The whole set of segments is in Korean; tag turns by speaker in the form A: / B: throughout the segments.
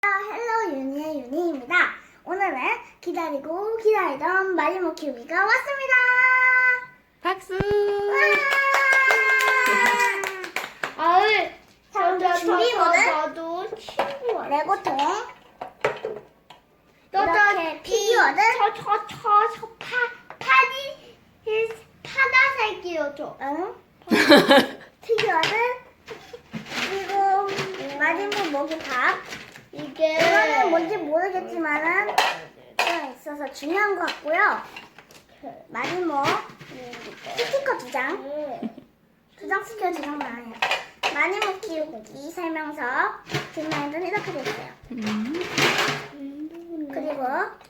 A: 헬로 유니의 유니입니다. 오늘은 기다리고 기다리던 마리모 키우기가 왔습니다.
B: 박수!
A: 준비물은 레고통, 이렇게 피규어는
C: 파다색이어줘.
A: 피규어는 그리고 마리모 먹이밥.
C: 이게
A: 이거는 뭔지 모르겠지만은 있어서 중요한 것 같고요. 마리모 스티커 2장. 2장 스티커 2장만 아니에요. 마리모 키우기 설명서 뒷면에는 이렇게 돼 있어요. 그리고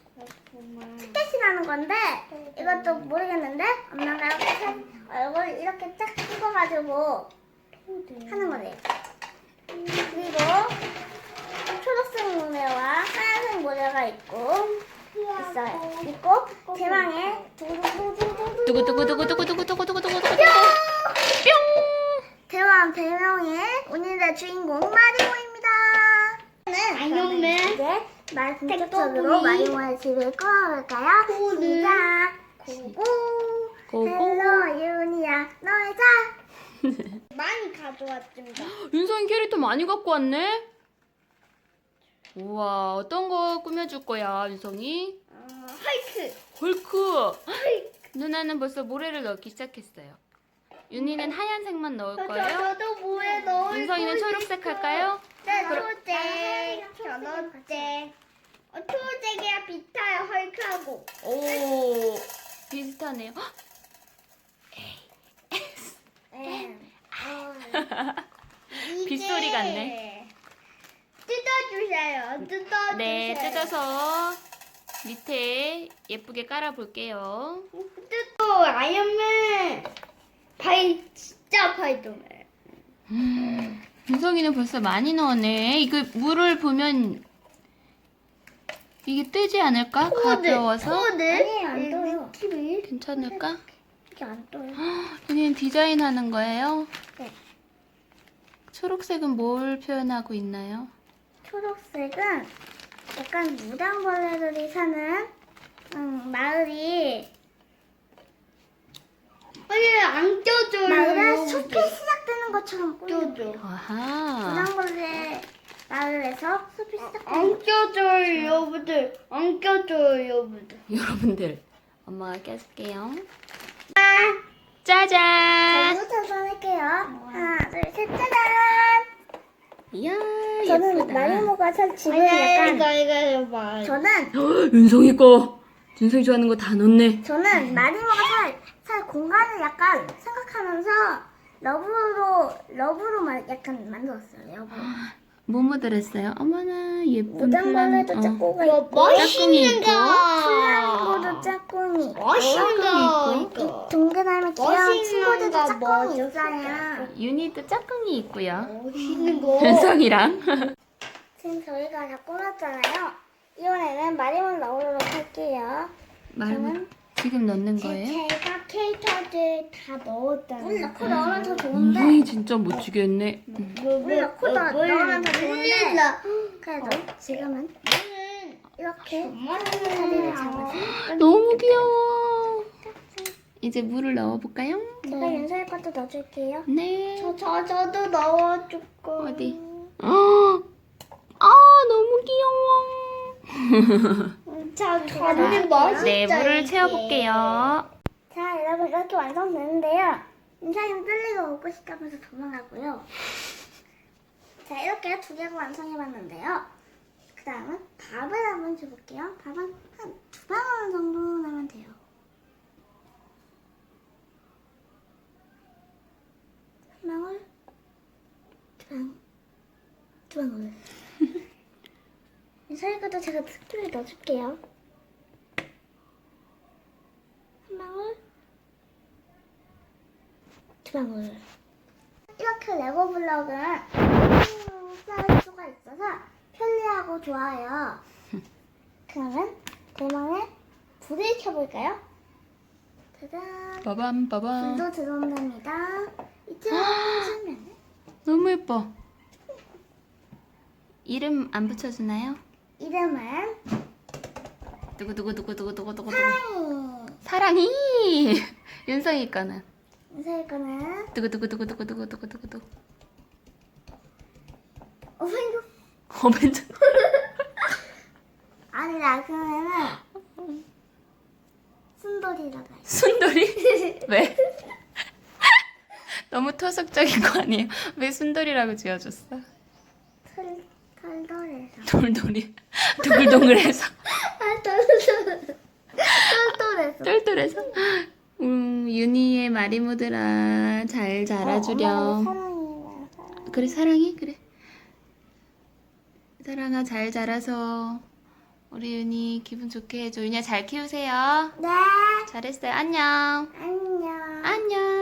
A: 티켓이라는 건데 이것도 모르겠는데 엄마가 이렇게 얼굴 이렇게 쫙 찍어가지고 하는 거래요. 그리고 초록색 모래와 하얀색 모래가 있어요. 있고 대망의
B: 두구두구두구두구두구두구두구두구두구 뿅!
A: 대명의 오늘의 주인공 마리모입니다.
C: 아이언맨.
A: 이제 본격적으로 마리모의 집을 꺼볼까요? 시작. 고고.
B: 고고.
A: 헬로 유니야 너의 자.
C: 많이 가져왔습니다.
B: 윤성이 캐릭터 많이 갖고 왔네? 우와, 어떤 거 꾸며줄 거야, 윤성이?
C: 헐크.
B: 헐크! 누나는 벌써 모래를 넣기 시작했어요. 윤희는 하얀색만 넣을 거예요?
C: 저도 뭐에 넣을
B: 윤성이는 초록색 할까요?
C: 네, 초록색. 초록색. 초록색이랑 비슷해요, 헐크하고.
B: 오, 비슷하네요. 헉! 빗소리 같네.
C: 뜯어주세요. 뜯어주세요.
B: 네, 뜯어서 밑에 예쁘게 깔아볼게요.
C: 뜯어, 아이언맨. 진짜 파이더맨.
B: 윤성이는 벌써 많이 넣었네. 이거 물을 보면 이게 뜨지 않을까? 가벼워서?
A: 아니에요, 안 떠요.
C: TV.
B: 괜찮을까?
A: 이게 안 떠요.
B: 윤희는 디자인 하는 거예요?
A: 네.
B: 초록색은 뭘 표현하고 있나요?
A: 초록색은 약간 무당벌레들이 사는 마을이
C: 아니, 안 껴줘요.
A: 마을에 숲이 시작되는 것처럼 꾸며요.
C: 껴줘.
B: 아하.
A: 무당벌레 마을에서 숲이 시작되는
C: 안 껴줘요, 여러분들. 안 껴줘요, 여러분들.
B: 여러분들, 엄마가 껴줄게요.
A: 자,
B: 짜잔!
A: 저부터 할게요. 하나, 둘, 셋, 짜잔!
B: 이야,
A: 저는
B: 예쁘다.
A: 마리모가 살 집을 약간
C: 이거 봐.
A: 저는
B: 윤성이 거! 윤성이 좋아하는 거 다 넣네.
A: 마리모가 살 공간을 약간 생각하면서 러브로 약간 만들었어요. 러브로.
B: 뭐 묻어랬어요? 어머나, 예쁜
A: 무당벌레도
B: 플라워.
A: 짝꿍가
C: 이거
A: 있고
C: 멋있는
A: 플라밍고도
C: 거.
A: 짝꿍이
C: 멋있는 거.
B: 있고.
A: 동그라미 귀여운
C: 멋있는
A: 친구들도
C: 거
A: 짝꿍이
C: 멋있어.
A: 있어요.
B: 윤희도 짝꿍이 있고요.
C: 멋있는 거.
B: 윤성이랑.
A: 지금 저희가 다 꾸몄잖아요. 이번에는 마리모를 넣으도록 할게요.
B: 말은 지금 넣는 거예요?
C: 제가 캐릭터들 다 넣었다는
A: 물 넣고 넣으면 더 좋은데
B: 윤성이 진짜 멋지게 했네.
A: 물 넣고 넣으면 더 좋은데 그래도 지금은 이렇게 자리를 잡아서
B: 너무 귀여워. 이제 물을 넣어볼까요?
A: 제가 윤서의 것도 넣어줄게요.
B: 네.
C: 저도 넣어줄 거.
B: 어디? 너무 귀여워.
C: 저는 멋있죠.
B: 네, 물을
C: 이게.
B: 채워볼게요.
A: 자, 여러분 이렇게 완성되는데요. 윤서님 뚫리고 먹고 싶다면서 도망가고요. 자, 이렇게 2개가 완성해봤는데요. 그 다음은 밥을 한번 줘볼게요. 밥은 한 2방울 정도 넣으면 돼요. 한 방울, 2방울. 윤서의 것도 제가 특별히 넣어줄게요. 한 방울, 2방울. 이렇게 레고 블럭은 쌓을 수가 있어서 편리하고 좋아요. 그러면 대망의 불을 켜볼까요? 짜잔.
B: 빠밤 빠밤.
A: 불도 들어온답니다. 이쯤 하면
B: 너무 예뻐. 이름 안 붙여주나요?
A: 이름은
B: 두구두구두구두구두구두구.
A: 사랑이.
B: 사랑이. 윤성이 거는
A: 인사할 거는
B: 두구두구두구두구두구두구두구.
A: 이거
B: 어벤져.
A: 아니다. 그러면은 순돌이라고 해.
B: 순돌이? 왜? 너무 토속적인 거 아니에요? 왜 순돌이라고 지어줬어?
A: 털털해서.
B: 돌돌이. 두글동글해서.
A: 털털해서.
B: 똘똘해서. 윤희의 마리모들아 잘 자라주렴.
A: 사랑이야.
B: 그래 사랑이? 그래. 사랑아 잘 자라서 우리 윤희 기분 좋게 해줘. 윤희야 잘 키우세요.
A: 네.
B: 잘했어요. 안녕.
A: 안녕.
B: 안녕.